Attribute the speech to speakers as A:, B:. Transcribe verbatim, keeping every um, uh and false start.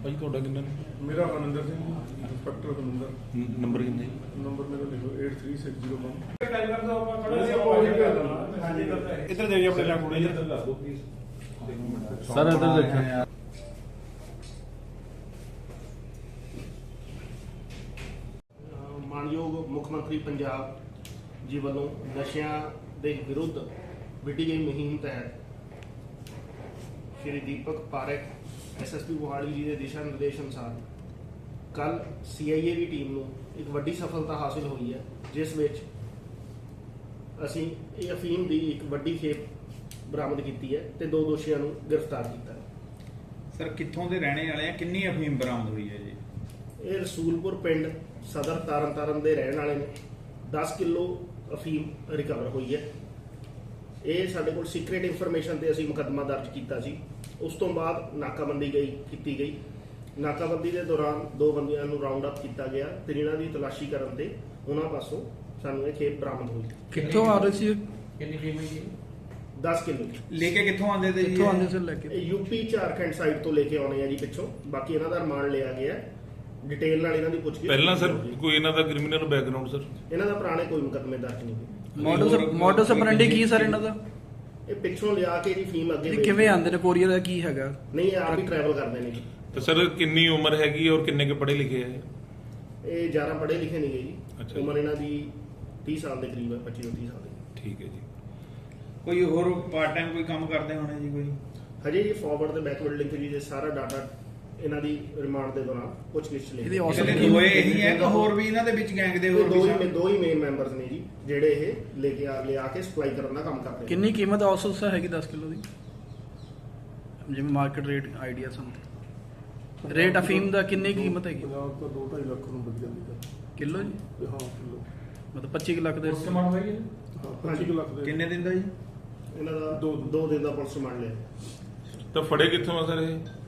A: ਭਾਈ ਤੁਹਾਡਾ ਕਿੰਨਾ
B: ਮੇਰਾ ਮਨਿੰਦਰ ਸਿੰਘ ਇੰਸਪੈਕਟਰ ਮਨਿੰਦਰ।
A: ਨੰਬਰ ਕਿੰਨਾ ਜੀ?
B: ਨੰਬਰ ਮੇਰਾ ਲਿਖੋ eight three six zero one।
C: ਇੱਧਰ ਦੇ ਜੀ ਆਪਣੇ ਲੱਗ ਥੋੜਾ ਜਿਹਾ ਦੱਸ ਦਿਓ ਪਲੀਜ਼।
A: ਸਰ ਇੱਧਰ ਦੇਖੋ।
D: ਮਾਨਯੋਗ ਮੁੱਖ ਮੰਤਰੀ ਪੰਜਾਬ ਜੀ ਵੱਲੋਂ ਨਸ਼ਿਆਂ ਦੇ ਵਿਰੁੱਧ ਵਿੱਢੀ ਗਈ ਮੁਹਿੰਮ ਤਹਿਤ ਸ਼੍ਰੀ ਦੀਪਕ ਪਾਰਕ ਐਸਐਸਪੀ ਮੋਹਾਲੀ ਜੀ ਦੇ ਦਿਸ਼ਾ ਨਿਰਦੇਸ਼ ਅਨੁਸਾਰ ਕੱਲ ਸੀਆਈਏ ਦੀ ਟੀਮ ਨੂੰ ਇੱਕ ਵੱਡੀ ਸਫਲਤਾ ਹਾਸਿਲ ਹੋਈ ਹੈ, ਜਿਸ ਵਿੱਚ ਅਸੀਂ ਇਹ ਅਫੀਮ ਦੀ ਇੱਕ ਵੱਡੀ ਖੇਪ ਬਰਾਮਦ ਕੀਤੀ ਹੈ ਤੇ ਦੋ ਦੋਸ਼ੀਆਂ ਨੂੰ ਗ੍ਰਿਫਤਾਰ ਕੀਤਾ ਹੈ।
C: ਸਰ ਕਿੱਥੋਂ ਦੇ ਰਹਿਣੇ ਵਾਲੇ ਆ, ਕਿੰਨੀ ਅਫੀਮ ਬਰਾਮਦ ਹੋਈ ਹੈ ਜੀ?
D: ਇਹ ਰਸੂਲਪੁਰ ਪਿੰਡ ਸਦਰ ਤਰਨਤਾਰਨ ਦੇ ਰਹਿਣ ਵਾਲੇ ਨੇ। ਦਸ ਕਿਲੋ ਅਫੀਮ ਰਿਕਵਰ ਹੋਈ ਹੈ। ਇਹ ਸਾਡੇ ਕੋਲ ਸੀਕ੍ਰੀਟ ਇਨਫੋਰਮੇਸ਼ਨ ਤੇ ਅਸੀਂ ਮੁਕੱਦਮਾ ਦਰਜ ਕੀਤਾ ਸੀ। ਉਸ ਤੋਂ ਬਾਅਦ ਨਾਕਾਬੰਦੀ ਗਈ ਕੀਤੀ ਗਈ। ਨਾਕਾਬੰਦੀ ਦੇ ਦੌਰਾਨ ਦੋ ਬੰਦਿਆਂ ਨੂੰ ਰਾਉਂਡ ਅਪ ਕੀਤਾ ਗਿਆ ਤੇ ਇਹਨਾਂ ਦੀ ਤਲਾਸ਼ੀ ਕਰਨ ਤੇ ਉਹਨਾਂ ਪਾਸੋਂ ਸਾਨੂੰ ਇਹ ਖੇਪ ਬਰਾਮਦ ਹੋਈ।
E: ਕਿੱਥੋਂ ਆ ਰਹੇ ਸੀ?
F: ਕਿੰਨੀ ਟੀਮ ਹੈ ਜੀ?
D: ਦਸ ਕਿਲੋ
C: ਲੈ ਕੇ ਕਿੱਥੋਂ ਆਉਂਦੇ ਤੇ ਜੀ?
E: ਕਿੱਥੋਂ ਆਉਂਦੇ ਸੀ ਲੈ ਕੇ?
D: ਇਹ ਯੂਪੀ ਝਾਰਖੰਡ ਸਾਈਡ ਤੋਂ ਲੈ ਕੇ ਆਉਣੇ ਆ ਜੀ ਪਿੱਛੋਂ। ਬਾਕੀ ਇਹਨਾਂ ਦਾ ਰਿਮਾਂਡ ਲਿਆ ਗਿਆ, ਡਿਟੇਲ ਨਾਲ ਇਹਨਾਂ ਦੀ ਪੁੱਛਗਿੱਛ।
A: ਪਹਿਲਾਂ ਸਰ ਕੋਈ ਇਹਨਾਂ ਦਾ ਕ੍ਰਿਮੀਨਲ ਬੈਕਗ੍ਰਾਉਂਡ ਸਰ?
D: ਇਹਨਾਂ ਦਾ ਪੁਰਾਣੇ ਕੋਈ ਮੁਕੱਦਮੇ ਦਰਜ ਨਹੀਂ ਹੋਏ।
E: ਮਾਡਲ ਮਾਡਲ ਸਪਰੈਂਡੀ ਕੀ ਸਰ ਇਹਨਾਂ ਦਾ?
D: ਇਹ ਪਿੱਛੋਂ ਲਿਆ ਕੇ ਜੀ ਫੀਮ ਅੱਗੇ
E: ਇਹ
D: ਵੇਚਦੇ।
E: ਕਿਵੇਂ ਆਉਂਦੇ ਨੇ? ਕੋਰੀਅਰ ਦਾ ਕੀ ਹੈਗਾ?
D: ਨਹੀਂ, ਇਹ ਆਪ ਹੀ ਟਰੈਵਲ ਕਰਦੇ ਨੇ ਜੀ।
A: ਤੇ ਸਰ ਕਿੰਨੀ ਉਮਰ ਹੈਗੀ ਔਰ ਕਿੰਨੇ ਕੇ ਪੜ੍ਹੇ ਲਿਖੇ ਹੈ?
D: ਇਹ ਜ਼ਿਆਦਾ ਪੜ੍ਹੇ ਲਿਖੇ ਨਹੀਂ ਗਏ
A: ਅੱਛਾ
D: ਜੀ। ਉਮਰ ਇਹਨਾਂ ਦੀ ਤੀਹ ਸਾਲ ਦੇ ਕਰੀਬ ਹੈ, ਪੱਚੀ ਤੋਂ ਤੀਹ ਸਾਲ ਦੀ।
A: ਠੀਕ ਹੈ ਜੀ।
C: ਕੋਈ ਹੋਰ ਪਾਰਟ ਟਾਈਮ ਕੋਈ ਕੰਮ ਕਰਦੇ ਹੋਣੇ ਜੀ ਕੋਈ?
D: ਹਜੇ ਜੀ ਫਾਰਵਰਡ ਤੇ ਬੈਕਵਰਡ ਲਿੰਕ ਜੀ ਦੇ ਸਾਰਾ ਡਾਟਾ ਇਹਨਾਂ ਦੀ ਰਿਮਾਂਡ ਦੇ ਦੌਰਾਨ ਪੁੱਛਗਿੱਛ ਲਈ।
E: ਇਹਦੀ
C: ਇਕੱਲੇ
E: ਔਸਤ
C: ਦੋਏ ਇਹੀ ਹੈ ਕਿ ਹੋਰ ਵੀ ਇਹਨਾਂ ਦੇ ਵਿੱਚ ਗੈਂਗ ਦੇ ਹੋਰ
D: ਦੋ
C: ਵੀ
D: ਹੀ
C: ਸ਼ਾਮਿਲ?
D: ਦੋ ਹੀ ਮੇਨ ਮੈਂਬਰਸ ਨੇ ਜੀ, ਜਿਹੜੇ ਇਹ ਲੈ ਕੇ ਆ ਲਿਆ ਕੇ ਸਪਲਾਈ ਕਰਨ ਦਾ ਕੰਮ ਕਰਦੇ ਨੇ।
E: ਕਿੰਨੀ ਕੀਮਤ ਔਸਤ ਹੈਗੀ ਦਸ ਕਿਲੋ ਦੀ? ਜਿਵੇਂ ਮਾਰਕੀਟ ਰੇਟ ਆਈਡੀਆ ਸਾਨੂੰ ਰੇਟ ਅਫੀਮ ਦਾ ਕਿੰਨੀ ਕੀਮਤ ਹੈਗੀ
B: ਪੰਜਾਬ ਤੋਂ ਦੋ ਢਾਈ ਲੱਖ ਨੂੰ ਵਿਕ ਜਾਂਦੀ ਹੈ
E: ਕਿਲੋ ਜੀ?
B: ਤੇ ਹਾਂ ਕਿਲੋ
E: ਮਤਲਬ ਪੱਚੀ ਕੁ ਲੱਖ ਦੇ
F: ਸਮਾਨ ਹੋਈ ਹੈ
B: ਹਾਂ ਪੱਚੀ ਕੁ ਲੱਖ ਦੇ
C: ਕਿੰਨੇ ਦਿਨ ਦਾ ਜੀ?
D: ਇਹਨਾਂ ਦਾ
B: ਦੋ-
D: ਦੋ ਦਿਨ ਦਾ ਪੁਲਿਸ ਰਿਮਾਂਡ ਲਿਆ।
A: ਤਾਂ ਫੜੇ ਕਿੱਥੋਂ ਆ ਸਰ ਇਹ?